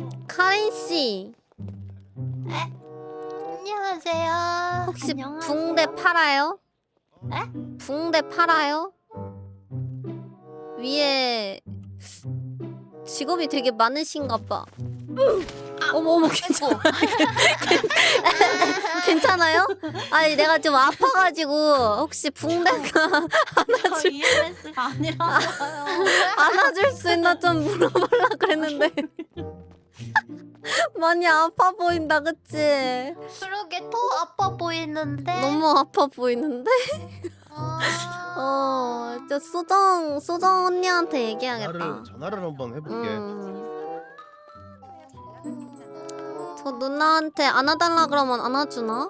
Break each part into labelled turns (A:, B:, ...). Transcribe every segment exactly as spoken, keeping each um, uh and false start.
A: 카린 씨
B: 안녕하세요.
A: 혹시
B: 안녕하세요.
A: 붕대 팔아요?
B: 에?
A: 붕대 팔아요? 위에 직업이 되게 많으신가 봐. 어머 어머 괜찮아. 괜찮아요? 아니 내가 좀 아파가지고 혹시 붕대가
B: 저 이엠에스가 아니라서요.
A: 안아줄 수 있나 좀 물어보려 그랬는데 많이 아파 보인다 그치?
B: 그러게 더 아파 보이는데.
A: 너무 아파 보이는데?
B: 아...
A: 어, 저 소정 소정 언니한테 얘기하겠다.
C: 전화를 전화를 한번 해볼게.
A: 음. 저 누나한테 안아달라 그러면 안아주나?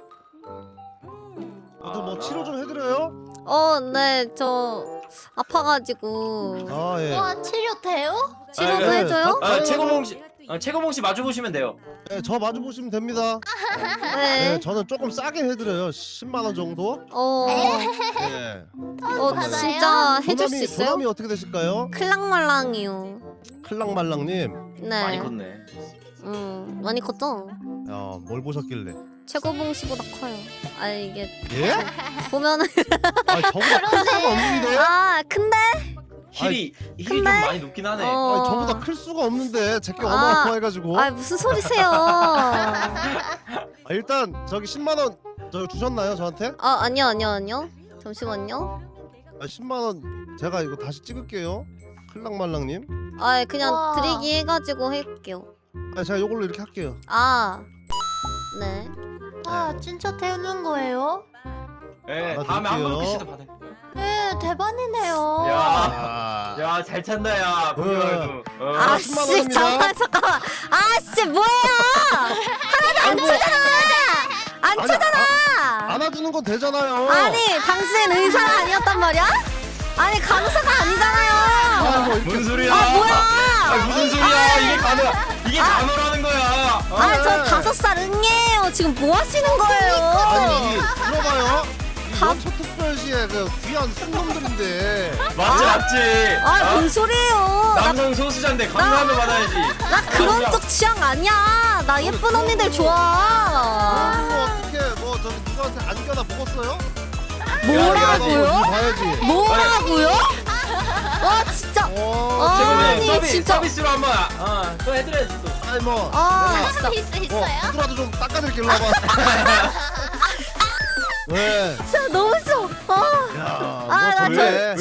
C: 저도 뭐 치료 좀 해드려요?
A: 어, 네, 저 아파가지고
C: 아 예.
B: 와 치료 돼요?
A: 치료도
C: 아, 예.
A: 해줘요?
C: 아,
D: 아, 최고봉 씨, 아, 최고봉 씨 마주 보시면 돼요.
C: 네, 저 마주 보시면 됩니다.
A: 네.
C: 네, 저는 조금 싸게 해드려요. 십만 원 정도.
A: 어,
C: 네.
A: 어
B: 받아요?
A: 진짜 해줄 수
C: 도남이
A: 있어요?
C: 도남이 어떻게 되실까요?
A: 클랑말랑이요.
C: 클랑말랑님.
A: 네.
D: 많이 컸네.
A: 음, 많이 컸죠?
C: 야, 뭘 보셨길래?
A: 최고봉 씨보다 커요. 아 이게
C: 예?
A: 보면은
C: 아, 저보다 클 수가 없는데?
A: 아 근데
D: 힐이 힐이 좀
A: 근데-
D: 많이 높긴 하네.
A: 어.
C: 아니, 저보다 클 수가 없는데 제게
A: 아.
C: 어마어마해가지고.
A: 아 무슨 소리세요?
C: 아, 일단 저기 십만 원 저기 주셨나요 저한테?
A: 아 아니요 아니요 아니요. 잠시만요.
C: 아, 십만 원 제가 이거 다시 찍을게요. 클랑말랑님.
A: 아 그냥
B: 와.
A: 드리기 해가지고 할게요.
C: 아, 제가 이걸로 이렇게 할게요.
A: 아 네.
B: 아 진짜 되는 거예요?
D: 예,
C: 알아둘게요.
D: 다음에 한번 씨도 받아.
B: 네 대박이네요.
D: 야,
C: 아,
D: 야, 잘 찬다 야. 보기만 해도. 어.
C: 아, 십만
A: 아씨
C: 원입니다.
A: 잠깐 잠깐만. 아씨 뭐야?
C: 아이고,
A: 안
C: 아니,
A: 차잖아.
C: 아, 안아주는 건 되잖아요.
A: 아니 당신 의사가 아니었단 말이야? 아니 간호사가 아니잖아요.
C: 아, 뭐 이렇게
D: 무슨 소리야?
A: 아 뭐야?
D: 아, 무슨 소리야? 이게 간호, 이게 간호라는 거야. 어?
A: 아 저 다섯 살 응애예요. 지금 뭐 하시는 거예요?
C: 아니 이게 들어봐요. 이
A: 다-
C: 연초 특별시의 그 귀한 순놈들인데.
D: 맞지, 맞지.
A: 아
D: 어?
A: 뭔 소리예요? 나,
D: 남성 소수자인데 감사하면 받아야지.
A: 나 그런 쪽 취향 아니야. 나 예쁜 언니들 좋아.
C: 그리고 어떻게 뭐 저기 누구한테 안겨나 먹었어요?
A: 뭐라고요?
C: 봐야지.
A: 뭐라고요? 와 진짜.
C: 어,
A: 아,
D: 최근에
A: 아니,
D: 서비,
A: 진짜.
D: 서비스로 한번 어, 또 해드려야지 또.
C: 아니 뭐.
A: 아
C: 내가
A: 진짜.
B: 서비스
C: 뭐
B: 있어요?
C: 후드라도 좀 닦아드릴게요. 봐봐. 왜?
A: 진짜 너무 싫어. 아.
C: 야,
A: 아, 나
C: 뭐 저래.